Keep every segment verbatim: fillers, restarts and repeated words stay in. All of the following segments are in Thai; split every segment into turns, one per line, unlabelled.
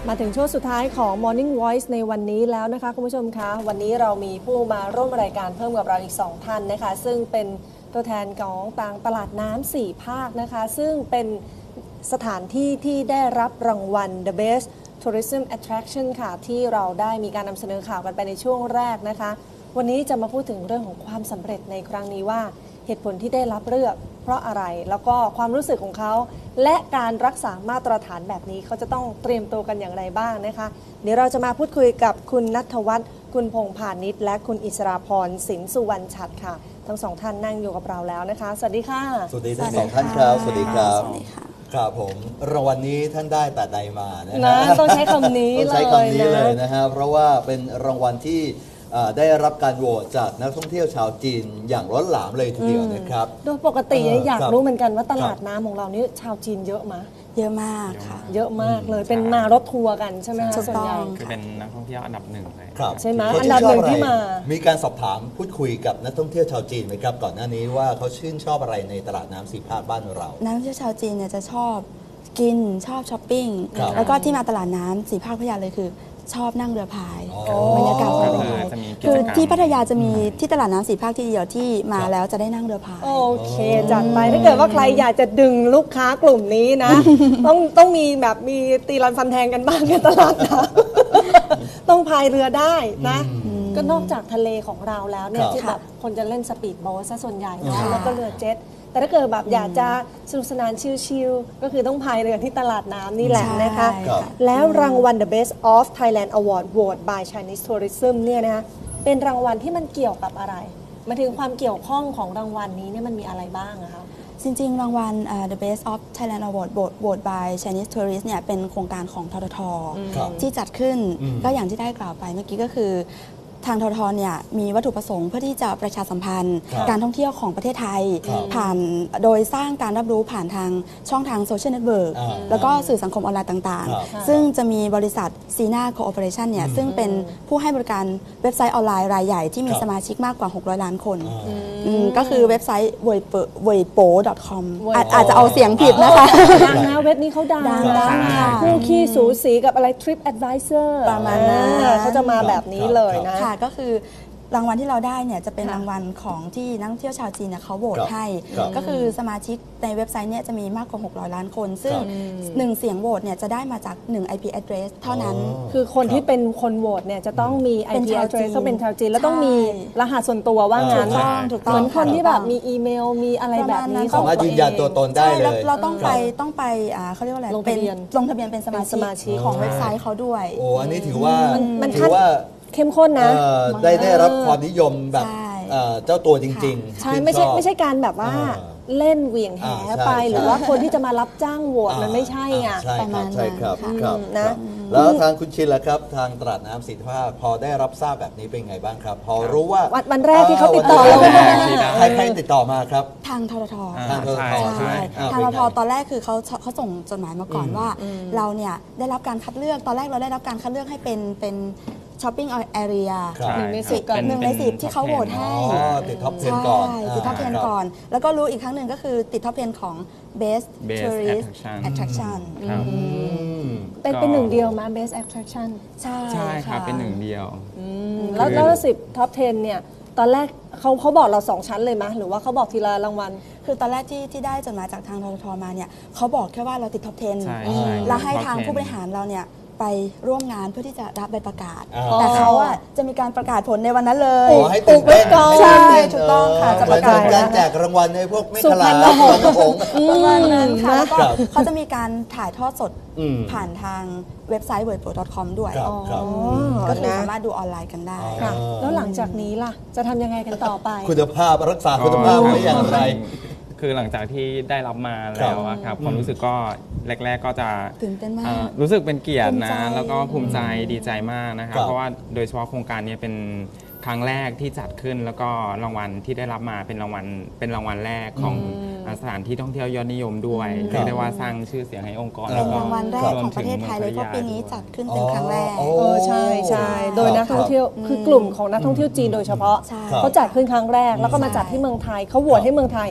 มาถึงช่วงสุดท้ายของ Morning Voice ในวันนี้แล้วนะคะคุณผู้ชมคะวันนี้เรามีผู้มาร่วมรายการเพิ่มกับเราอีกสองท่านนะคะซึ่งเป็นตัวแทนของต่างตลาดน้ำสี่ภาคนะคะซึ่งเป็นสถานที่ที่ได้รับรางวัล The Best Tourism Attraction ค่ะที่เราได้มีการนำเสนอข่าวกันไปในช่วงแรกนะคะวันนี้จะมาพูดถึงเรื่องของความสำเร็จในครั้งนี้ว่าเหตุผลที่ได้รับเลือกเพราะอะไรแล้วก็ความรู้สึกของเขาและการรักษามาตรฐานแบบนี้เขาจะต้องเตรียมตัวกันอย่างไรบ้างนะคะเดี๋ยวเราจะมาพูดคุยกับคุณณัฐวัฒน์คุณพงษ์พาณิชย์และคุณอิสราพรสินสุวรรณฉัตรค่ะทั้งสองท่านนั่งอยู่กับเราแล้วนะคะสวัสดีค่ะ
สวัสดีทั้งสองท่านครับสวัสดีครับครับผมรางวัลนี้ท่านได้แต่ใดมานะฮะ
ต้องใช้คำนี้เลย
ต้องใช้คำนี้เลยนะฮะเพราะว่าเป็นรางวัลที่ได้รับการโหวตจากนักท่องเที่ยวชาวจีนอย่างล้นหลามเลยทีเดียวนะครับ
โดยปกติอยากรู้เหมือนกันว่าตลาดน้ำของเรานี่ชาวจีนเยอะไหม
เยอะมากค่ะ
เยอะมากเลยเป็นมารถทัวร์กันใช่ไหมคะส่วนใหญ่
คือเป็นนักท่องเที่ยวอันดับหนึ่งเลย
ใช่ไหมอันดับหนึ่งที่มา
มีการสอบถามพูดคุยกับนักท่องเที่ยวชาวจีนไหมครับก่อนหน้านี้ว่าเขาชื่นชอบอะไรในตลาดน้ำสี่ภาคบ้านเรา
นักท่องเที่ยวชาวจีนเนี่ยจะชอบกินชอบช้อปปิ้งแล้วก็ที่มาตลาดน้ำสี่ภาคพัทยาเลยคือชอบนั่งเรือพายบรรยากาศสบายคือที่พัทยาจะมีที่ตลาดน้ำสี่ภาคที่เดียวที่มาแล้วจะได้นั่งเรือพาย
โอเคจัดไปถ้าเกิดว่าใครอยากจะดึงลูกค้ากลุ่มนี้นะต้องต้องมีแบบมีตีรันฟันแทงกันบ้างในตลาดนะต้องพายเรือได้นะก็นอกจากทะเลของเราแล้วเนี่ยที่แบบคนจะเล่นสปีดโบ๊ทซะส่วนใหญ่เนาะแล้วก็เรือเจ็ตแต่ถ้าเกิดแบบอยากจะสนุกสนานชิลๆก็คือต้องพายเรือที่ตลาดน้ำนี่แหละนะคะแล้วรางวัล The Best of Thailand Award Voted by Chinese Tourism เนี่ยนะคะเป็นรางวัลที่มันเกี่ยวกับอะไรมาถึงความเกี่ยวข้องของรางวัลนี้เนี่ยมันมีอะไรบ้างอะคะ
จริงๆรางวัล uh, The Best of Thailand Award Voted by Chinese Tourist เนี่ยเป็นโครงการของททท.ที่จัดขึ้นก็อย่างที่ได้กล่าวไปเมื่อกี้ก็คือทางททท.เนี่ยมีวัตถุประสงค์เพื่อที่จะประชาสัมพันธ์การท่องเที่ยวของประเทศไทยผ่านโดยสร้างการรับรู้ผ่านทางช่องทางโซเชียลเน็ตเวิร์กแล้วก็สื่อสังคมออนไลน์ต่างๆซึ่งจะมีบริษัทซีน่าโคออเปอเรชั่นเนี่ยซึ่งเป็นผู้ให้บริการเว็บไซต์ออนไลน์รายใหญ่ที่มีสมาชิกมากกว่าหกร้อยล้านคนก็คือเว็บไซต์ เว่ยโป๋ ดอท คอม อาจจะเอาเสียงผิดนะคะ
ดังนะเว็บนี้เขาดังคู่ขี้สูสีกับอะไร Trip Advisor
ประมาณนั้น
เขาจะมาแบบนี้เลยนะ
ก็คือรางวัลที่เราได้เนี่ยจะเป็นรางวัลของที่นักท่องเที่ยวชาวจีนเนี่ยเขาโหวตให้ก็คือสมาชิกในเว็บไซต์เนี่ยจะมีมากกว่าหกร้อยล้านคนซึ่งหนึ่งเสียงโหวตเนี่ยจะได้มาจากหนึ่ง ไอ พี address เท่านั้น
คือคนที่เป็นคนโหวตเนี่ยจะต้องมี ไอ พี address ต้องเป็นชาวจีนแล้วต้องมีรหัสส่วนตัวว่างั้นเหมือนคนที่แบบมีอีเมลมีอะไรแบบนี้
สามารถยืนยันตัวตนได้เลย
เราต้องไปต้องไปเขาเรียกว่าอะไร
ลงทะเบียน
ลงทะเบียนเป็นสมาชิกของเว็บไซต์เขาด้วย
โอ้อันนี้ถือว่า
มัน
ถือว่า
เข้มข้นนะ
ได้ได้รับความนิยมแบบเจ้าตัวจริง
ๆใช่ไม่ใช่ไม่ใช่การแบบว่าเล่นเหวี่ยงแหไปหรือว่าคนที่จะมารับจ้างโหวตมันไม่ใช่ไง
ประมาณนั้นใช่ครับนะแล้วทางคุณชินล่ะครับทางตลาดน้ำสี่ภาคพอได้รับทราบแบบนี้เป็นไงบ้างครับพอรู้ว่า
วันแรกที่เขาติดต่อเรา
ใครใครติดต่อมาครับ
ทางททท
ทางททท
ใช่ทางทททตอนแรกคือเขาเขาส่งจดหมายมาก่อนว่าเราเนี่ยได้รับการคัดเลือกตอนแรกเราได้รับการคัดเลือกให้เป็นเป็นช้อปปิ้งแอเรีย
หนึ่งในสิบก่อน
หนึ่งในสิบที่เขาโหวตให้
ติดท็อปสิบก่อน
ติดท็อปสิบก่อนแล้วก็รู้อีกครั้งหนึ่งก็คือติดท็อปสิบของ Best Tourist Attraction
เป็นเป็นหนึ่งเดียวมา Best Attraction
ใช่
ใช่ครับเป็นหนึ่งเดียว
แล้วแล้วสิบท็อปสิบเนี่ยตอนแรกเขาเขาบอกเราสองชั้นเลยไหมหรือว่าเขาบอกทีละรางวัล
คือตอนแรกที่ที่ได้จดหมายจากทางทททมาเนี่ยเขาบอกแค่ว่าเราติดท็อปสิบแล้วให้ทางผู้บริหารเราเนี่ยไปร่วมงานเพื่อที่จะรับใบประกาศแต่เขาอ่ะจะมีการประกาศผลในวันนั้นเลย
ให้ตื่นเต้น
ใช่ถูกต้องค่ะ
จะประกาศการแจกรางวัลในพวกไม่ขลาด
ประมาณนั้นค่ะแล้วก็เขาจะมีการถ่ายทอดสดผ่านทางเว็บไซต์ เว่ยโป๋ ดอท คอม ด้วยก็คือสามารถดูออนไลน์กันได้
แล้วหลังจากนี้ล่ะจะทำยังไงกันต่อไป
คุณภาพรักษาคุณภาพไว้อย่างไร
คือหลังจากที่ได้รับมาแล้วครับความรู้สึกก็แรกๆก็จะ
ตื่นเต้นมาก
รู้สึกเป็นเกียรตินะแล้วก็ภูมิใจดีใจมากนะครับเพราะว่าโดยเฉพาะโครงการนี้เป็นครั้งแรกที่จัดขึ้นแล้วก็รางวัลที่ได้รับมาเป็นรางวัลเป็นรางวัลแรกของสถานที่ท่องเที่ยวยอดนิยมด้วยเรียกได้ว่าสร้างชื่อเสียงให้องค์กร
เป็นรางวัลแรกของประเทศไทยเลยเพราะปีนี้จัดขึ้นเป็นครั้งแรก
เออใช่ใช่โดยนักท่องเที่ยวคือกลุ่มของนักท่องเที่ยวจีนโดยเฉพาะเขาจัดขึ้นครั้งแรกแล้วก็มาจัดที่เมืองไทยเขาโหวตให้เมืองไทย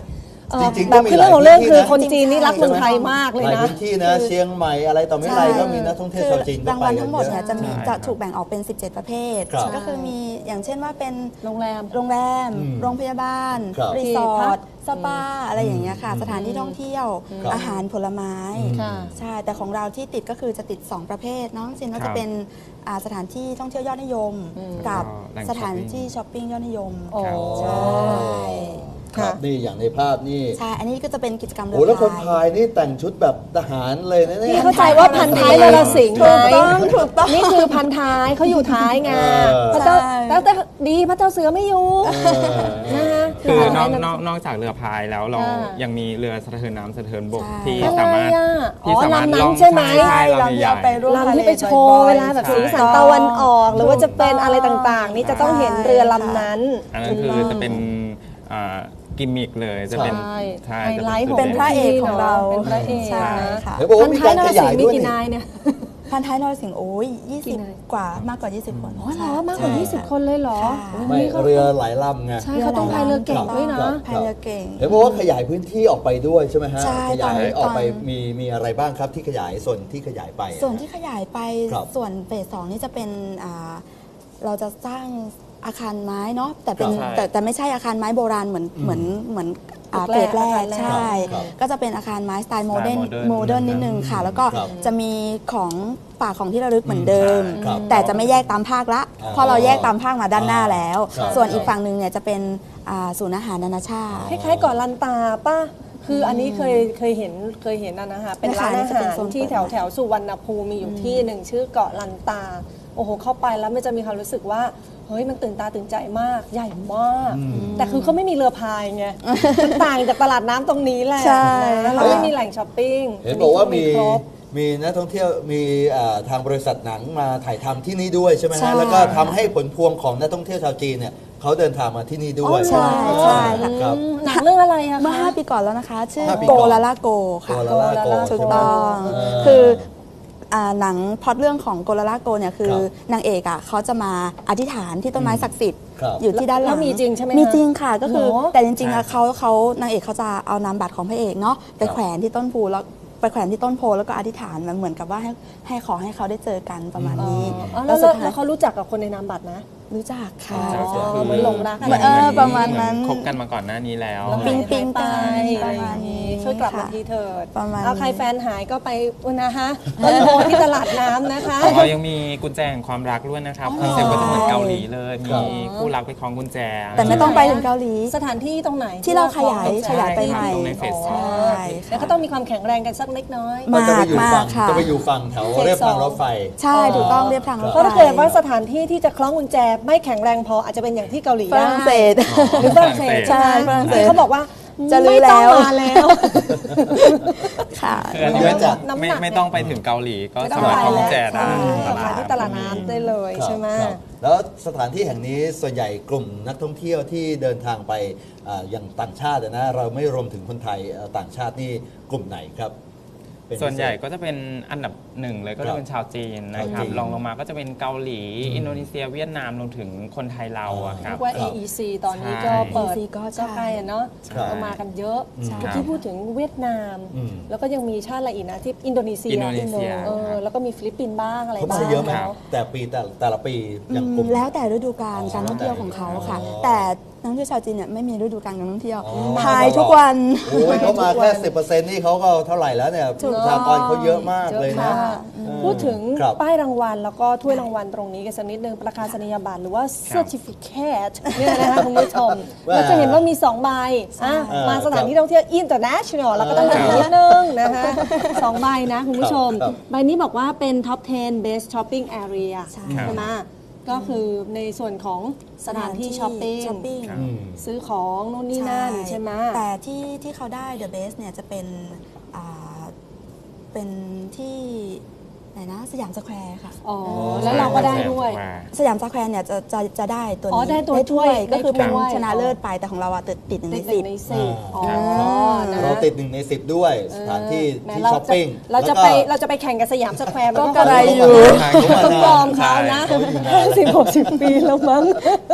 เอ่อ
จริงๆ
แบ
ก็
บ
มี
คือ
หลา
เรื่
ย
องของเรื่อง
พื้นที่
คือ
นะ
คนจีนนี่รักเมืองไทยมากเลย
หลาย
นะ
พื้นที่นะเชียงใหม่อะไรต่อไม่ไรก็มีนักท่องเที่ยวชาวจีนก็
ราง
ไป
วัล
กั
ทั้
น
งหมด
เย
เนี่ย
อะ
จะมี
ใช่
จะ
ครับ
ถูกแบ่งออกเป็น สิบเจ็ด ประเภท
ครับ
ก็คือมีอย่างเช่นว่าเป็น
โรงแรม
โรงแรม
อืม
โรงพยาบาล
ครับ
รีสอร์ท สปา อะไรอย่างเงี้ยค่ะ
อืม
สถานที่ท่องเที่ยว
ครับ
อาหารผลไม้
ค่ะ
ใช่ แต่ของเราที่ติดก็คือจะติด สอง ประเภทเน้องซินก็
ครั
จะ
บ
เป็นอ่าสถานที่ท่องเที่ยวยอดนิยม
อืม
กับ
แหล่ง
สถาน
ช้อปปิ้ง
ที่ช้อปปิ้งยอดนิยม
โอ้
ใช่
ครับนี่อย่างในภาพนี่
ใช่ อันนี้ก็จะเป็นกิจกรรมเรือ
โอ้แล้วคน
พา
พาย ยนี่แต่งชุดแบบทหารเลยนะเนี่ย
นี่เข้าใจว่าพันท้ายนรสิงห์ไหม
ถูกต้องถูกต้อง
นี่คือพันท้ายเขาอยู่ท้ายไง
เออ
พระเจ้า
ใช่
แล้วแต่ดีพระเจ้าเสือไม่อยู่
เออ
นะคะ
คือนอก
พัน
น
ท้า
อย กนอกจากเรือพายแล้วเรา
ค่ะ
ยังมีเรือสะเทินน้ำสะเทินบก
ใช่
ที่
อะไร
สามารถ
อ่ะอ๋อ
ที่สามารถ
ลำนั้น
ล่อง
ใช่ไหม
ใช่ลำ
ลำ
ใหญ่
ที่เอาไปร่วม
ลำที่ไปโชว์เวลาแบบสีสันตะวันออก หรือว่าจะเป็นอะไรต่างๆ นี่จะต้องเห็นเรือลำนั้น
อันนั้นคือจะเป็นอ่ากิมมิกเลยจะเป็น
ใช่
ใช่
ไฮ
จะ
ไลท์ของ
เป็นพระเอกของเรา
เป็นพระเอก
ใช่
นะ
ค่ะ
เห็นบอกว่ามีการขยายด้วย
พันท้นรสิงห์มีกี่
นี่
นายเนี่ย
พันท้ายนรสิงห์โอ้ยยี่
กี่
สิบ
นาย
กว่ามากกว่า ยี่สิบ คน
อ๋อเหรอมากกว่า
ใช่
ยี่สิบ คนเลยเหรอ
ค่ะ
โอ้ย
ไม่
นี่เขา
เรือหลายลำไง
ใช่เขาต้องพายเรือเก่งด้วยนะ
ครับ
พายเรือเก่ง
เห็นบอกว่าขยายพื้นที่ออกไปด้วยใช่ไหมฮะ
ใช่
ขยาย
ตอนนี้
ออกไป
ตอน
มีมีอะไรบ้างครับที่ขยายส่วนที่ขยายไปอะ
ส่วนที่ขยายไป
ครับ
ส่วนเฟสสองนี่จะเป็นอ่าเราจะสร้างอาคารไม้เนาะแต่เป็น
ครับ
แต่แต่ไม่ใช่อาคารไม้โบราณเหมือนเหมือนเหมือนอ่า
ตึ
เฟ
ก
ส
แร
แร
ก
ก
อาคารแรก
ใช่
ครับ
ก็จะเป็นอาคารไม้สไตล์โม
สไตล์
เดิร์น
modern
โมเดิร์น
นะครับ
นิดนึงค่ะ แล้วก็
ครับ
จะมีของฝากของที่ระลึกเหมือนเดิม
ครับ
แต่จะไม่แยกตามภาคละ
อ๋อ
เพราะเราแยกตามภาคมาด้านหน้าแล้ว
ครับ
ส่วนอีกฝั่งหนึ่งเนี่ยจะเป็นอ่าศูนย์อาหารนานาชาติ
คล้ายๆเกาะลันตาป่ะ คืออันนี้เคยเคยเห็นเคยเห็นนะนะคะเป็นร้านอา
จะเป็
หาน ร
โซน
ที่
เปิด
แถวแถวสุวรรณภูมิมีอยู่ที่หนึ่งชื่อเกาะลันตา โอ้โห เข้าไปแล้วมันจะมีความรู้สึกว่า เฮ้ยมันตื่นตาตื่นใจมาก ใหญ่มาก แต่คือเขาไม่มีเรือพายไง มันต่างจากตลาดน้ำตรงนี้แหละ
ใช่
นะเราไม่มีแหล่งช้อปปิ้ง
เห็นบอกว่ามี
ครบ
มีนักท่องเที่ยวมีอ่าทางบริษัทหนังมาถ่ายทำที่นี่ด้วยใช่ไหม
ใช่
ฮะแล้วก็ทำให้ผลพวงของนักท่องเที่ยวชาวจีนเนี่ยเขาเดินทางมาที่นี่ด้วย
ใช่ใช่ค่ะ
ครับ
อืมหนังเรื่องอะไรอะ
เมื่อ
คะ
ห้าปีก่อนแล้วนะคะ ชื่อ
ห้าปี
โก
ก่อน
ลาลาโกค่ะ
โกลาลาโก
ถูกต้อง
เออ
คืออ่าหนังพล็อตเรื่องของโกลาลาโกเนี่ยคือ
ครับ
นางเอกอ่ะเขาจะมาอธิษฐานที่ต้นไม้ศักดิ์สิทธิ์
ครับ
อยู่ที่ด้านหลั
แล้
ง
วมีจริงใช่ไหมคะ
มีจริงค่ะก็คือ
เหรอ
แต่จริงๆอะ
ใช่
เขาเขานางเอกเขาจะเอานามบัตรของพระเอกเนาะไปแขวนที่ต้นโพแล้วไปแขวนที่ต้นโพแล้วก็อธิษฐานมันเหมือนกับว่าให้ให้ขอให้เขาได้เจอกันประมาณนี้
อ๋อแล้ว
สุดท้าย
แล้วเขารู้จักกับคนในนามบัตรนะ
รู้จักค่ะ
ใช่ใช่
อ๋อเหมือนหลงรัก
เหมือนเออประมาณนั้น
คบกันมาก่อนหน้านี้แล้ว
แล้ว
ปิ๊
หาย
งปิ๊ง
ไป
กัน
อะไรอย่างนี้ช่วยกลับมาทีเถิด
ประมาณ
เอาใคร
นี้
แฟนหายก็ไปอุยนะคะต้นโพที่ตลาดน้ำนะคะ
ของเรายังมีกุญแจแห่งความรักด้วยนะครับคอนเซ็ปต์ก็จะเหมือนเกาหลีเลย
ครั
มี
บ
คู่รักไปคล้องกุญแจ
แต่ไม่ต้องไปถึงเกาหลี
สถานที่ตรงไหน
ที่เราขยาย
ที่
ขยายไป
เร
ใหม่
ตรงในเฟสส
อ๋
อ
อง
ใช่ค่ะ
แล้วก็ต้องมีความแข็งแรงกันสักเล็กน้อย
มาก
จะไปอยู่
มา
ฝั่
ก
ง
ค่ะ
จะไปอยู่ฝั่งแถวเรียบทางรถไฟ
ใช่ถูกต้องเรียบทางรถ
เพราะ
ไฟ
ถ้าเกิดว่าสถานที่ที่จะคล้องกุญแจไม่แข็งแรงพออาจจะเป็นอย่างที่เกาหลี
ฝรั่งเศส
หรือฝรั่งเศส
ใช่
ไหม
ฝรั่งเศส
เขาบอกว่า
จะลื้อ
ไม่ต้อง
แล้ว
มาแล้ว
ค่ะ
คืออันนี้ไม่
เยอะจัด
น้ำหนัก
ไม่ไม่ต้องไปถึงเกาหลีก็
ไม่ต้อ
สาง มารถ
ไป
คล้องกุญแจ
แล้ว
ได้
ใช่มาที่ตลาดน้ำได้เลย
ครับ
ใช่ไหม
ครับแล้วสถานที่แห่งนี้ส่วนใหญ่กลุ่มนักท่องเที่ยวที่เดินทางไปอ่าอย่างต่างชาติอะนะเราไม่รวมถึงคนไทยเอ่อต่างชาตินี่กลุ่มไหนครับเป็พิเศษ
ส่วนใหญ่ก็จะเป็นอันดับหนึ่งเลยก็
ครั
จะ
บ
เป็นชาวจีนนะครับ
ชาวจีน
รองลงมาก็จะเป็นเกาหลี
อืม
อินโดนีเซียเวียดนามรวมถึงคนไทยเราอะครับ
เรียกว่า
ครับ
เอ อี ซี ตอนนี้ก็
ใช่
เปิด
เอ อี ซี ก็ใช่
ก็ใกล้อะเนาะ
ครับ
ก็มากันเยอะ
อืม
เมื่อกี้พูดถึงเวียดนาม
อืม
แล้วก็ยังมีชาติอะไรอีกนะที่อินโดนีเซีย
อินโดนีเซีย
เออ
ครับ
แล้วก็มีฟิลิปปินส์บ้างอะไร
เขา
บ้า
ซื้
ง
อเยอะไหม
แล้ว
แต่ปีแต่แต่ละปีอย่างกลุ่ม
แล้วแต่ฤดูกาล
อ๋อ
การท่องเที่ยวของเขาค่ะ
อ๋อ
แต่นักท่องเที่ยวชาวจีนเนี่ยไม่มีฤดูกาลการท่องเที่ยว
อ๋อ
พายทุกวัน
โอ้ยเขามาแค่สิบเปอร์เซ็นต์นี่เขาก็เท่าไหร่แล้วเนี่ยประชากรเขาเยอะมากเลยนะ
เยอะค่ะ
เออ
พูดถึง
ครับ
ป้ายรางวัลแล้วก็ถ้วยรางวัลตรงนี้กันสักนิดนึงประกาศนียบัตรหรือว่า certificate เนี่ยนะคะคุณผู้ชม
ว่า
เราจะเห็นว่ามีสองใบอ่ะ
เออ
มาสถานที่ท่องเที่ยว international เราก็ต้อง
เอ
ดู
อ
นิดนึงนะคะสองใบนะคุณผู้ชม
ครับ
ใบนี้บอกว่าเป็น top สิบ best shopping area
ใช่
ใช่ไหมก็คือในส่วนของสถานที่ช้อปปิ้ง
ช้อปปิ้ง
อืม
ซื้อของนู่นนี่นั่นใช่ไหม
แต่ที่ที่เขาได้ The Best เนี่ยจะเป็นอ่าเป็นที่ไหนนะสยามสแควร์ค่ะ
อ๋อแล้วเราก็ได้ด้วย
สยามสแควร์เนี่ยจะจะจะได้ตัว
อ๋อ
นี้
ได้ตัว
ถ้วย
ถ้วย
ก็คือเป็น
ได้ถ้วย
ชนะเลิศไปแต่ของเราอะติดติดหนึ่ง
ติ
ใน
ดห
สิ
นึ่
บ
งในสิบอ๋อ
ครับ
นะ
เราติดหนึ่งในสิบด้วยสถานที่
แหม
ที่
เรา
ช้อปปิ้ง
เราจะ
แล้ว
ไปเราจะไปแข่งกับสยามสแควร์มัน
ก็
ก็
กระไรอยู่
ต้องยอมเขานะ
เขาอยู่นาน
สิบหกสิบปีแล้วมั้ง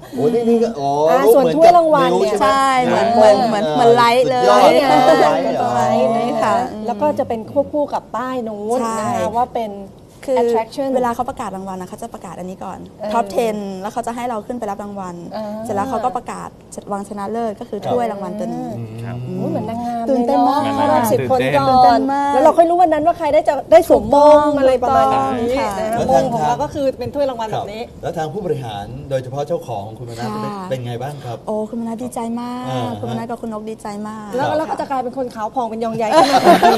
โอ้นี่นี่ก็อ๋อ
อ่า
รูป
ส่วน
เหมือน
ถ้วย
กับ
รางวัล
นิ้
เนี่ย
ใช่ไหม
ใช่เหมือนเหมือนเหมือนเหมือนไลท์เลย
สุดยอด
ไลท์ไง
เออไลท์เหรอ
ไลท์นะ
ค่ะ
คะแล้วก็จะเป็นควบคู่กับป้ายนู้น
ใช่
นะคะว่าเป็น
คือ
attraction
เวลาเขาประกาศรางวัลนะเขาจะประกาศอันนี้ก่อน
เออ
ท็อปสิบ แล้วเขาจะให้เราขึ้นไปรับรางวัล
อ่า
เสร็จแล้วเขาก็ประกาศรางวัลชนะเลิศก็คือถ้วยรางวัลตัวนี้
ครับ
อุ๊ยเหมือนนางงาม
ตื่นเต้นมาก
ลยอะเข้ารอบสิบคน
ตื่นเต้น
ก่
ตื่นเต้
อน
นมาก
แล้วเราค่อยรู้วันนั้นว่าใครได้จะได้สวมมงอะไรประมาณนี้
ค่ะ
นะคะ
แล้ว
ม
ทาง
งของเราก็คือเป็นถ้วยรางวัล
ค
แบ
รับบ
นี้
แล้วทางผู้บริหารโดยเฉพาะเจ้าของคุณมนัส
ค่ะ
เป็นไงบ้างครับ
โอ้คุณมนัสดีใจมาก
อ่า
คุณมนัสกับคุณนกดีใจมาก
แล้ว
ครับ
แล้วก็จะกลายเป็นคนขาวผ่องเป็นยองใหญ่ขึ้นมาทันที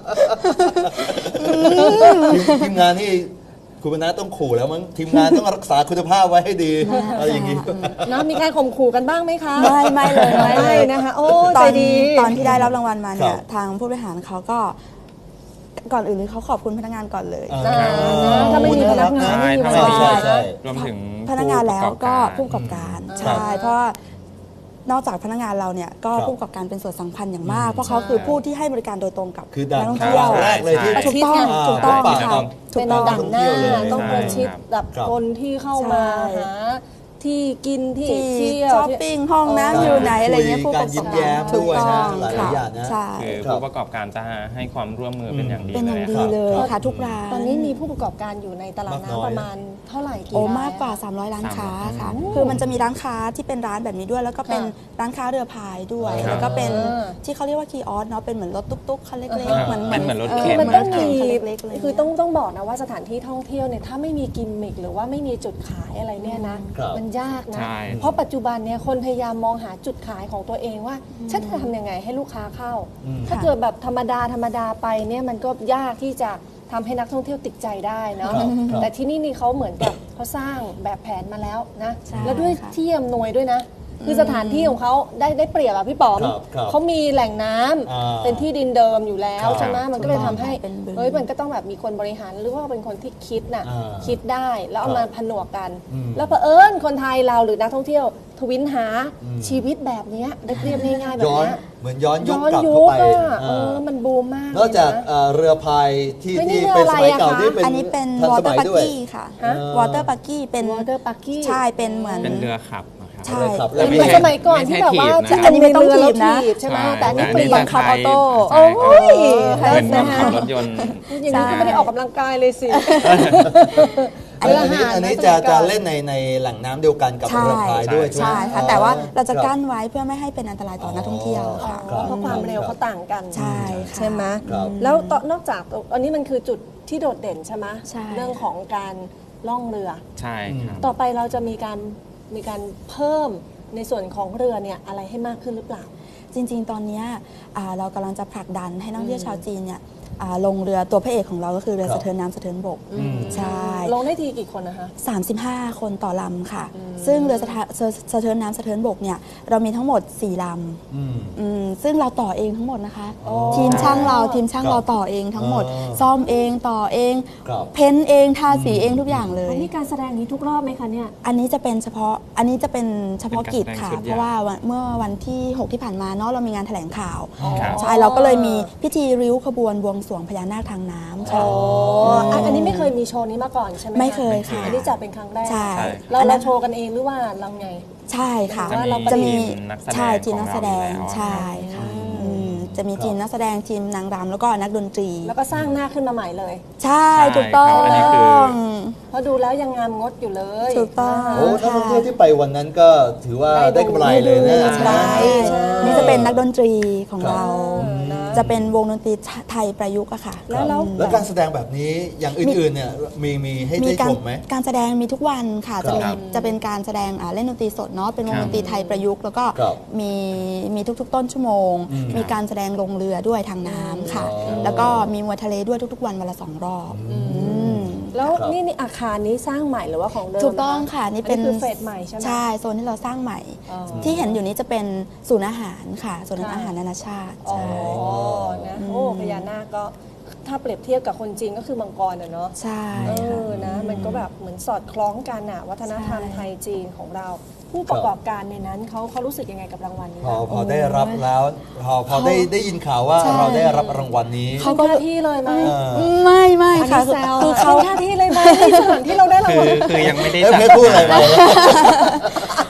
ทีมทีมงานที่คุณมนัสต้องขู่แล้วมั้งทีมงานต้องรักษาคุณภาพไว้ให้ดีอะไรอย่างนี้
นะมีการข่มขู่กันบ้างไหมคะ
ไม่ไม่เลยไม่เลย
ไม่นะคะ โอ้
ต
ใจ
อน
ดี
ตอนที่ได้รับรางวัลมาเนี่
ค
ย
รับ
ทางผู้บริหารเขาก็ก่อนอื่นเลยเขาขอบคุณพนักงานก่อนเลย
อ่า
นะถ้าไม่มีพนักงาน
ใช่
ไม่มี
ถ้า
เว
ไม่
ลา
มี
ใช่
รวมถึง
พนักงานแล้วก็ผู้
ผู้
ประกอบการ
ครับ
ใช่ เพราะว่านอกจากพนักงานเราเนี่ยก็
ครับ
ผู้ประกอบการเป็นส่วนสำคัญอย่างมาก เพราะเขาคือผู้ที่ให้บริการโดยตรงกับ
คือด่าน
นักท่อง
ทา
เที่ยว
งแรกเลยที่
ถูกต้อง
า
ถูกต้อง
พบปะ
ค่ะ
กับ
ถู
เป็
ก
น
ต้อง
ด่านหน้า
เลย
ต้องประชิดแบบ
ครับ
คนที่เข้ามา
ใช่
หาที่กินที่
ที่
เที่ยว
ช้อปปิ้งห้องน้ำอยู่ไหนอะไรเงี้ยผู้ประกอบ
การยิ้ม
กา
แย้
ร
ม
ถูก
ด้วย
ต้
นะ
อง
หลายๆ
ค่ะ
อย่างนะ
ใช่
คือ
ครับ
ผู้ประกอบการจะให้ความร่วมมือเป็นอย่างดี
เป็นอย่าง
เลย
ดี
ครับ
เลยค่ะทุกร้าน
ตอนนี้มีผู้ประกอบการอยู่ในตลาด
มากน้อย
น้ำประมาณเท่าไหร่กี่
โอ้
ราย
มากกว่า
อะ
สามร้อย ร้านค้าค่ะ
อืม
คือมันจะมีร้านค้าที่เป็นร้านแบบนี้ด้วย แล้วก็เป็น
ค่ะ
ร้านค้าเรือพายด้วย
ครับ
แล้วก็เป็น
อ่า
ที่เขาเรียกว่าคีออสเนาะเป็นเหมือนรถตุ๊กๆคันเล็ก
อ่า
ๆเหมือน
เป็นเหมือนรถ
ออ
เข็น
มัน
ห
ต้อง
รถเข็
มี
คันเล็กๆเลย
คือต้องต้องบอกนะว่าสถานที่ท่องเที่ยวเนี่ยถ้าไม่มีกิมมิคหรือว่าไม่มีจุดขายอะไรเนี่ยนะ
ครับ
มันยากนะ
ใช่
เพราะปัจจุบันเนี่ยคนพยายามมองหาจุดขายของตัวเองว่าฉันจะทำยังไงให้ลูกค้าเข้า
อืม
ถ้าเกิดแบบธรรมดาธรรมดาไปเนี่ยมันก็ยากที่จะทำให้นักท่องเที่ยวติดใจได้เนาะ
ครับครับ
แต่ที่นี่นี่เขาเหมือนกับเขาสร้างแบบแผนมาแล้วนะ
ใช่
แล้วด้วย
ค่ะ
ที่อำนวยด้วยนะ คือสถานที่ของเขาได้ได้เปรียบอะพี่ป๋อม
ครับครับ
เขามีแหล่งน้ำ
อ่า
เป็นที่ดินเดิมอยู่แล้ว
ครับ
ใช่ไหมมันก็เลยทำให้
เป็นบึง
เฮ้ยมันก็ต้องแบบมีคนบริหารหรือว่าเป็นคนที่คิดน่ะ
อ่า
คิดได้แล้วเอา
ครับ
มาผนวกกัน
อืม
แล้วเผอิญคนไทยเราหรือนักท่องเที่ยวทวินหา
อืม
ชีวิตแบบเนี้ยเรียบๆง่ายๆแบบ
ย้อน
เนี้ย
เหมือนย้อนยุค
ย้อน
กลับ
ยุ
เข้า
ค
ไป
อะเอ
อ่า
อมันบูมมาก
นอกจาก
เลยนะ
เอ่อเรือพายที่
เฮ้ยนี่
ที่
เรือ
เป็นสมัย
อะไรอะ
เก่า
คะ
ที่เป็น
อันนี้เป็น
ทัน
วอ
ส
เตอ
มั
ร์
ย
ปัก
ด้วย
กี้ค่ะ
ฮะ
วอเตอร์ปักกี้เป็น
Water Bucky
ใช่เป็นเหมือน
เป็นเรือขับนะครับ
ใช่
เลยครับ
เป็นเหมือน
ไม่ใช่
สมัยก่อนที่แบบว่า
ไม่ใช่ถีบนะ
ที่
อันนี้ไม่ต้อง
เรือ
ถีบนะ
แล้วถีบใช่ไหมแต่อันนี้
แต่
เปลี่ยน
บังคับออโต้
โอ้ย
ใช่
เหมือน
นะ
ขั
คะ
บรถยนต์
อย่างนี้ก็ไม่ได้ออกกำลังกายเลยสิ
อันนี้อันนี้อันนี้จะ
สมัยก่
จะ
อน
เล่นในในแหล่งน้ำเดียวกันกับ
ใช่
เรือพายด้วยใช่ไหม
ใช่ค่ะ
อ๋อ
แต่ว่าเราจะ
ครับ
กั้นไว้เพื่อไม่ให้เป็นอันตรายต่อนักท่องเที่ยวค่ะ
อ๋อเพราะความเร็วเขาต่างกัน
ใช่ค่ะ
ใช่ไหม
ครับ
แล้วตอนนอกจากอันนี้มันคือจุดที่โดดเด่นใช่ไหม
ใช่
เรื่องของการล่องเรือ
ใช่ครับ
ต่อไปเราจะมีการมีการเพิ่มในส่วนของเรือเนี่ยอะไรให้มากขึ้นหรือเปล่า
จริงๆ ตอนเนี้ยอ่าเรากำลังจะผลักดันให้นักท่องเที่ยวชาวจีนเนี่ยอ่าลงเรือตัวพระเอกของเราก็คือเรือ
ครับ
สะเทินน้ำสะเทินบก
อืม
ใช่
ลงได้ทีกี่คนนะคะ
สามสิบห้า คนต่อลำค่ะ ซึ่งเรือสะทะสะสะเทินน้ำสะเทินบกเนี่ยเรามีทั้งหมดสี่ลำ
อืม
อืมซึ่งเราต่อเองทั้งหมดนะคะ
อ๋อ
ทีมช่างเราทีมช่าง
ครับ
เราต่อเองทั้งหมด
อ๋อ
ซ่อมเองต่อเอง
ครับ
เพ้นท์เองทาสีเองทุกอย่างเลย
อันนี้การแสดงนี้ทุกรอบไหมคะเนี่ย
อันนี้จะเป็นเฉพาะอันนี้จะเป็นเฉพาะกิจค่ะ
เป็นการแสดงชุดใหญ่
เพราะว่าวันเมื่อวันที่หกที่ผ่านมาเนาะเรามีงานแถลงข่าว
ครับ
ใช่เราก็เลยมีพิธีริ้วขบวนบวงสรวงพญานาคทางน้ำค่ะ
อ๋ออ่ะอันนี้ไม่เคยมีโชว์นี้มาก่อนใช่ไหมะ
ไม่เคยค่ะ
อันนี้จัดเป็นครั้งแรก
ใช่
เรา
อันนั้
เรา
น
โชว์กันเองหรือว่าเราไง
ใช่ค่ะ
ว่าเรา
จะมี
ทีมนักแสดง
ใช่ทีมนักแสดง
ของเราอยู่แล้ว
ใช่ค่ะ
อืม
อืมจะมี
ครับ
ทีมนักแสดงทีมนางรำแล้วก็นักดนตรี
แล้วก็สร้างหน้าขึ้นมาใหม่เลย
ใช่
ใช่
ถูกต้อ
ครับอันนี้คือ
ง
เพราะดูแล้วยังงามงดอยู่เลย
ถูกต้อง
นะคะ
โอ้นักท่องเที่ยวที่ไปวันนั้นก็ถือว่า
ได้
ได้
ดู
กำไรเลยนะ
ใช่
ใช่
นี่จะเป็นนักดนตรีของ
ครับ
เรา
อืมนะ
จะเป็นวงดนตรีไทยประยุกต์อะค่ะ
แล้วแล้ว
แล้วการแสดงแบบนี้อย่างอื่นๆเนี่ยมีมีให้
มี
ได้
การ
ชมไหม
การแสดงมีทุกวันค่ะ จะมี
ครับ
จะเป็นการแสดงอ่าเล่นดนตรีสดเนาะเป็นวง
ครับ
ดนตรีไทยประยุกต์แล้วก็
ครับ
มีมีทุกๆ ต้นชั่วโมง
อืม
มีการแสดงลงเรือด้วยทางน้ำค่ะ
อ๋อ
แล้วก็มีมวยทะเลด้วยทุกๆ วันวันละสองรอบอืม
แล้ว
ครับ
นี่นี่อาคารนี้สร้างใหม่หรือว่าของเดิม
ถูกต้องค่ะนี่เป็น
อัคือเฟสใหม่ใช่ไหม
ใช่โซนที่เราสร้างใหม่
อ๋อ
ที่เห็นอยู่นี้จะเป็นศูนย์อาหารค่ะศูนย์
ค่ะ
อาหารนานาชาติ
อ๋อ
ใช่
นะโอ้พญานาคก็ถ้าเปรียบเทียบกับคนจีนก็คือมังกรอะเนาะ
ใช่
เอ
ค่ะ
อนะมันก็แบบเหมือนสอดคล้องกันอะวัฒนธรรม
ใช่
ไทยจีนของเรา ผู้ประกอบการในนั้นเขาเขารู้สึกยังไงกับรางวัลนี้
พอ
บ้าง
พอได้รับแล้วพอพอได้ได้ยินข่าวว่า
ใช่
เราได้รับรางวัลนี้
เขาก็หน้าที่เลยไหม
เออ
ไม่ไม่
อัน
ค่ะ
นี้แซว
คือเขา
หน้าที่เลยไหมในสถานที่เราได้ราง
คือ
วัล
คือยังไม่ได้
เอ้ย
จัด
เพชรพูดอะไรไปแล้ว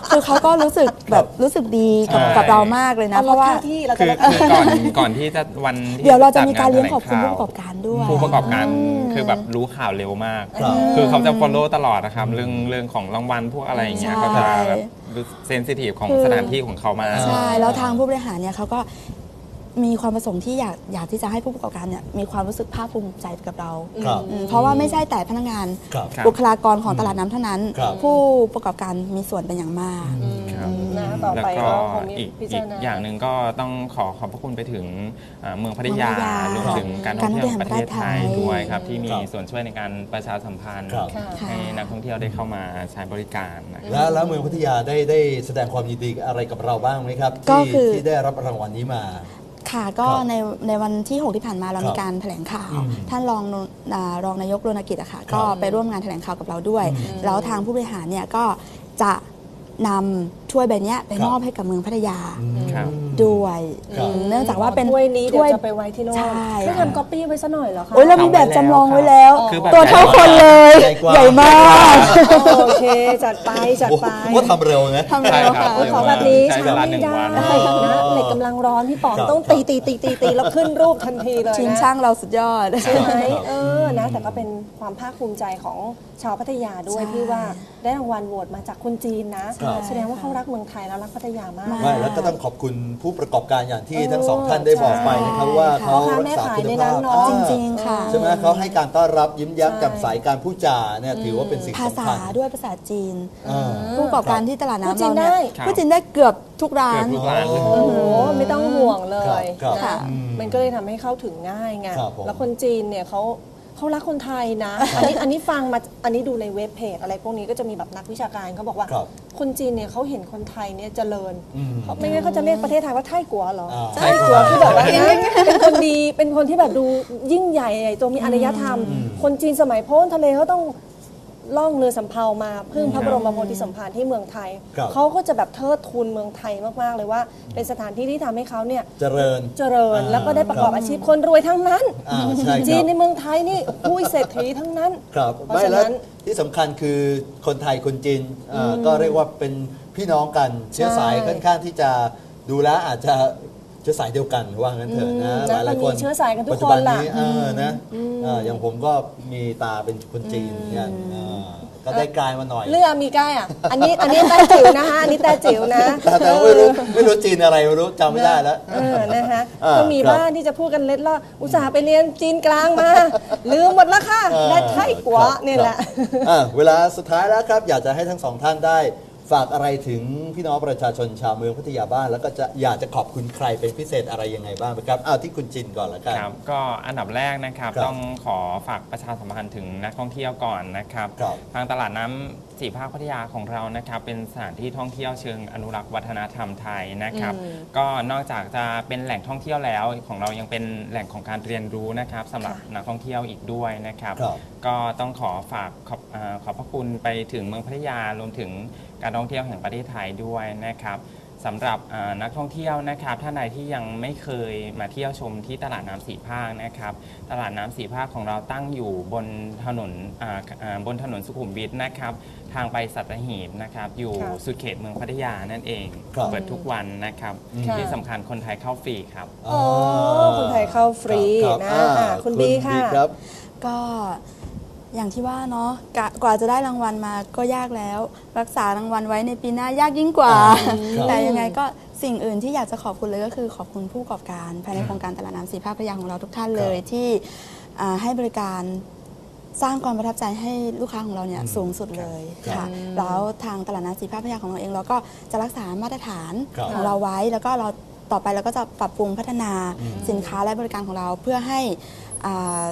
คือเขาก็รู้สึกแบบรู้สึกดีกับ
ใช่
กับเรามากเลยนะ
เอา
เพ
ลด
ราะว่า
ค่าที่เราจะ
คือ
ลด
คือก่อนก่อนที่จะวันที่
เดี๋ยวเราจะมีการ
ด
เลี้ยง
แถล
ขอบคุณผู้
ข่าว
ประกอบการด้วย
ผู้ประกอบการ
อืม
คือแบบรู้ข่าวเร็วมาก
ครับ
คือเขาจะ follow ตลอดนะครับเรื่องเรื่องของรางวัลพวกอะไรอย่างเงี้ย
ใช่
เขาจะแบบเซนซิทีฟของ
คือ
สถานที่ของเขามาก
ใช่ แล้วทางผู้บริหารเนี่ยเขาก็มีความประสงค์ที่อยากอยากที่จะให้ผู้ประกอบการเนี่ยมีความรู้สึกภาคภูมิใจกับเรา
ครับ
อืมเพราะว่าไม่ใช่แต่พนักงาน
ครับ
ครับ
บุคลากรของตลาดน้ำเท่านั้น
ครับ
ผู้ประกอบการมีส่วนเป็นอย่างมาก
ครับ
นะต่อ
แล้ว
ไป
ก็
ก็คงมี
อีก
พิ
อี
จาร
ก
ณา
อย่างหนึ่งก็ต้องขอขอบพระคุณไปถึงอ่าเมืองพัทยา
เมืองพัทยาร
วมถึงการท่องเที่ยวแห่งประเทศไทยด้วยครับที่มีส่วนช่วยในการประชาสัมพันธ์
ครับ
ให้นักท่องเที่ยวได้เข้ามาใช้บริการนะครับ
แล้วแล้วเมืองพัทยาได้ได้แสดงความยินดีอะไรกับเราบ้างไหมครับ
ก็
ที่
คือ
ที่ได้รับรางวัลนี้มา
ค่ะก็
ครับ
ในในวันที่ หก ที่ผ่านมาเรา
ครับ
มีการแถลงข่าว
อืม
ท่านรองนุอ่ารองนายกรณกิจอะค่ะ
ครับ
ก็ไปร่วมงานแถลงข่าวกับเราด้วย แล้วทางผู้บริหารเนี่ยก็จะนำถ้วยใบเนี้ยไป
ครับ
มอบให้กับเมืองพัทยา
ครับ
ด้วย
ครับ
อืมเนื่องจากว่าเป็น
ถ้วยนี้เดี๋ยว
ถ้วย
จะไปไว้ที่โน่น
ใช่
ไม่ทำก๊อปปี้ไว้ซะหน่อยเหรอคะ
โอ้ยเรามีแบบจำลองไว้แล้ว
คือแบบ
ตัวเท่าคนเลย
ใหญ่กว่า
ใหญ่มาก
โอเค จัดไปจัด
โอ้
ไป
โหทำเร็วนะ
ทำเร็วค่ะ
โอ้ยขอแบบนี้
ใช้เว
ช้า
ลา
ไม่
หนึ่ง
ได้
วัน
นะเหล็กกำลังร้อนพี่ป๋อง
ครับ
ต้องตีตีตีตีตีแล้วขึ้นรูปทันทีเลย
ทีม
นะ
ช่างเราสุดยอด
ใช่ไหม
ครับ
เออนะแต่ก็เป็นความภาคภูมิใจของชาวพัทยาด้วย
ใช่
ที่ว่าได้รางวัลโหวตมาจากคนจีนนะ
ครับ
แสดงว่าเขารักเมืองไทยแล้วรักพัทยามาก
มาก
ไม่แล้วก็ต้องขอบคุณผู้ประกอบการอย่างที่
เออ
ทั้งสองท่านได้บอกไปนะครับ
ใช่
ว่า
ค่ะ
เขา
พ่อค้า
รั
แม่
กษา
ขาย
คุณ
ใน
ภา
นั้
พ
นเนอะ
อ่า
จริงๆค่ะ
ใช่ไหมเขาให้การต้อนรับยิ้มแย้ม
ใช่
แจ่มใสการพูดจาเนี่ยถือว่าเป็นสิ่ง
ภา
สำ
ษา
คัญ
ด้วยภาษาจีน
อ่า
ผู้ประกอบการที่ตลาด
พูด
น้ำ
จี
เรา
น
เนี่ย
ได้
ครับ
พูดจีนได้เกือบทุกร้าน
เกือบทุกร้านเลย
โอ้
โอ้โหไม่ต้องห่วงเลย
ครับ
นะครับ มันก็เลยทำให้เข้าถึงง่ายไง
ครับผม
แล้วคนจีนเนี่ยเขาเขารักคนไทยนะ อันนี้อันนี้ฟังมาอันนี้ดูในเว็บเพจอะไรพวกนี้ก็จะมีแบบนักวิชาการเขาบอกว่า
ครับ
คนจีนเนี่ยเขาเห็นคนไทยเนี่ยเจริญ
อืม
เขาไม่งั้นเขาจะเรียกประเทศไทยว่าไทยกัวเหรอ
อ่า
ไทยกัวคือแบบว่านะเป็นคนดีเป็นคนที่แบบดูยิ่งใหญ่ใหญ่โตมีอารยธรรม คนจีนสมัยพ้นทะเลเขาต้องล่องเรือสำเภามาพึ่งพระบรมโพธิสมภารที่เมืองไทย
ครับ
เขาก็จะแบบเทิดทูนเมืองไทยมากๆเลยว่า เป็นสถานที่ที่ทำให้เขาเนี่ย
เจริญ
เจริญ
อ่า
แล้วก็ได้ประกอบ
ครับ
อาชีพคนรวยทั้งนั้น
อ่าใช่ครับ
จีนในเมืองไทยนี่ผู้เศรษฐีทั้งนั้น
ครับ
เพราะ
ไม่
ฉะ
แล้ว
นั้น
ที่สำคัญคือคนไทยคนจีนเอ่ออก็เรียกว่าเป็นพี่น้องกันเชื้อสาย
ใช่
ค่อนข้างที่จะดูแลวอาจจะเชื้อสายเดียวกันว่างั้นเถอะนะ
อืม
หลายหลายๆคน
แล้วก็มีเชื้อสายกันทุก
ปัจจุบั
คนล่ะ
นี้เออนะเอ่ออย่างผมก็มีตาเป็นคนจีนเนี่ยเออก็ได้กลายมาหน่อย
เรื่องมีใกล้อ่ะ อันนี้อันนี้แต้จิ๋วนะคะอันนี้แต้จิ๋วนะ
แต่แต่ไม่รู้ไม่รู้จีนอะไรไม่รู้จำไม่ได้แล้ว
เออนะคะ
อ่า
ก็มี
ครับ
บ้านที่จะพูดกันเล็ดลอดอุตส่าห์ไปเรียนจีนกลางมา ลืมหมดแล้วค่ะ
เออ
ได้ไทยกัว
ครับ
เนี่ยแหละ
ครับอ่ะเวลาสุดท้ายแล้วครับ อยากจะให้ทั้งสองท่านได้ฝากอะไรถึงพี่น้องประชาชนชาวเมืองพัทยาบ้าน แล้วก็จะอยากจะขอบคุณใครเป็นพิเศษอะไรยังไงบ้างไหมครับอ้าวที่คุณจินก่อนละกัน
ครับก็อันดับแรกนะครับ
ครับ
ต้องขอฝากประชาสัมพันธ์ถึงนักท่องเที่ยวก่อนนะครับ
ครับ
ทางตลาดน้ำสี่ภาคพัทยาของเรานะครับเป็นสถานที่ท่องเที่ยวเชิงอนุรักษ์วัฒนธรรมไทยนะครับ
อืม
ก็นอกจากจะเป็นแหล่งท่องเที่ยวแล้วของเรายังเป็นแหล่งของการเรียนรู้นะครับสำหรับ
ค่ะ
นักท่องเที่ยวอีกด้วยนะครับ
ครับ
ก็ต้องขอฝากขอบอาขอบพระคุณไปถึงเมืองพัทยารวมถึงการท่องเที่ยวแห่งประเทศไทยด้วยนะครับสำหรับอ่านักท่องเที่ยวนะครับท่านใดที่ยังไม่เคยมาเที่ยวชมที่ตลาดน้ำสี่ภาคนะครับตลาดน้ำสี่ภาคของเราตั้งอยู่บนถนนอ่าอ่าบนถนนสุขุมวิทนะครับทางไปสัตหีบนะครับอยู่
ค่ะ
สุดเขตเมืองพัทยานั่นเอง
ครับ
เปิดทุกวันนะครับ
ค่ะ
ที่สำคัญคนไทยเข้าฟรีครับ
โอ้คนไทยเข้าฟรี
ครับ
นะ
อ่า
อ่ะคุณบีค่ะ
ครับ
ก็อย่างที่ว่าเนาะกะกว่าจะได้รางวัลมาก็ยากแล้ว รักษารางวัลไว้ในปีหน้ายากยิ่งกว่า
ครับ
แต่ยังไงก็สิ่งอื่นที่อยากจะขอบคุณเลยก็คือขอบคุณผู้ประกอบการภายในโครงการตลาดน้ำสีภาคพัทยาของเราทุกท่านเลยที่อ่าให้บริการสร้างความประทับใจให้ลูกค้าของเราเนี่ย
อืม
สูงสุดเลย
ครับ
ค่ะแล้วทางตลาดน้ำสีภาคพัทยาของเราเองเราก็จะรักษามาตรฐาน
ครับ
ของเราไว้แล้วก็เราต่อไปเราก็จะปรับปรุงพัฒนา
อืม
สินค้าและบริการของเราเพื่อให้อ่า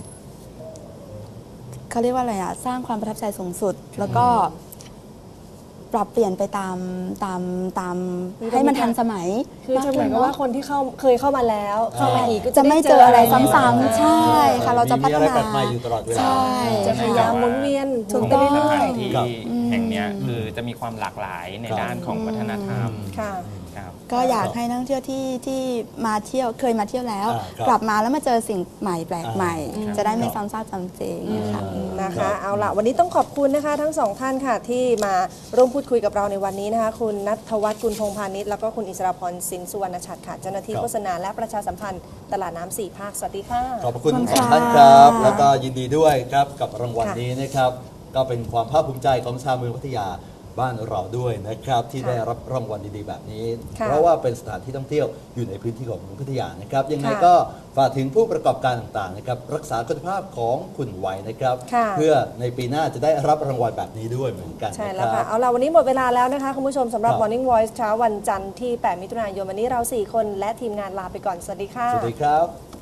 เขาเรียกว่าอะไรอะสร้างความประทับใจสูงสุด แล้วก็ปรับเปลี่ยนไปตามตามตาม
คือ
ให้มัน
จะมี
ทันสมัย
คือจะเหมือนกับว่าคนที่เข้าเคยเข้ามาแล้ว เข้ามาอีกก็
จะไม่เจออะไรซ้ำ
อ่า
ๆใช่ค่ะ เราจะพัฒ
มีอะไร
นา
แปลกใหม่อยู่ตลอดเวลา
ใช่
จะพยายามหมุนเวียน
ถูก
ไป
ต้อง
เรื่
ส
อย
ถานที่
ครับ
แห่งเนี้ยคือจะมีความหลากหลายใน
ครับ
ด้านของวัฒนธรรม
ๆค่ะ
คครับ
ก็อยากให้นักท่องเที่ยวที่ที่มาเที่ยวเคยมาเที่ยวแล้ว
อ่าครับ
กลับมาแล้วมาเจอสิ่งใหม่แปลกใหม่
อ่า
จะได้ไม่
ครับ
ซ้ำซากจำเจค่ะ
นะ
ครั
คะ
บ
เอาละวันนี้ต้องขอบคุณนะคะทั้งสองท่านค่ะที่มาร่วมพูดคุยกับเราในวันนี้นะคะคุณณัฐวัฒน์กุลพงษ์พาณิชย์แล้วก็คุณอิสราพรสินสุวรรณชัดค่ะเจ้าหน้าที่
ครับ
โฆษณาและประชาสัมพันธ์ตลาดน้ำสี่ภาคสวัสดีค่ะ
ขอบพระคุณ
ขอบ
ทั้ง
คุ
สอ
ณ
ง
ค่ะ
ท่านครับ แล้วก็ยินดีด้วยครับกับรางวัล
ค่ะ
นี้นะครับ ก็เป็นความภาคภูมิใจของชาวเมืองพัทยาบ้านเราด้วยนะครับ ที่
ค่ะ
ได้รับรางวัลดีๆแบบนี้
ค่ะ
เพราะว่าเป็นสถานที่ท่องเที่ยวอยู่ในพื้นที่ของเมืองพัทยานะครับ ยังไง
ค่ะ
ก็ฝากถึงผู้ประกอบการต่างๆนะครับรักษาคุณภาพของคุณไว้นะครับ
ค่ะ
เพื่อในปีหน้าจะได้รับรางวัลแบบนี้ด้วยเหมือนกัน
ใช่
นะ
แล้ว
ค
ค่ะ
รับ
เอาละวันนี้หมดเวลาแล้วนะคะคุณผู้ชมสำหรับ
ครับ
Morning Voice เช้าวันจันทร์ที่ แปด มิถุนายนวันนี้เราสี่คนและทีมงานลาไปก่อนสวัสดีค่ะ
สวัสดีครับ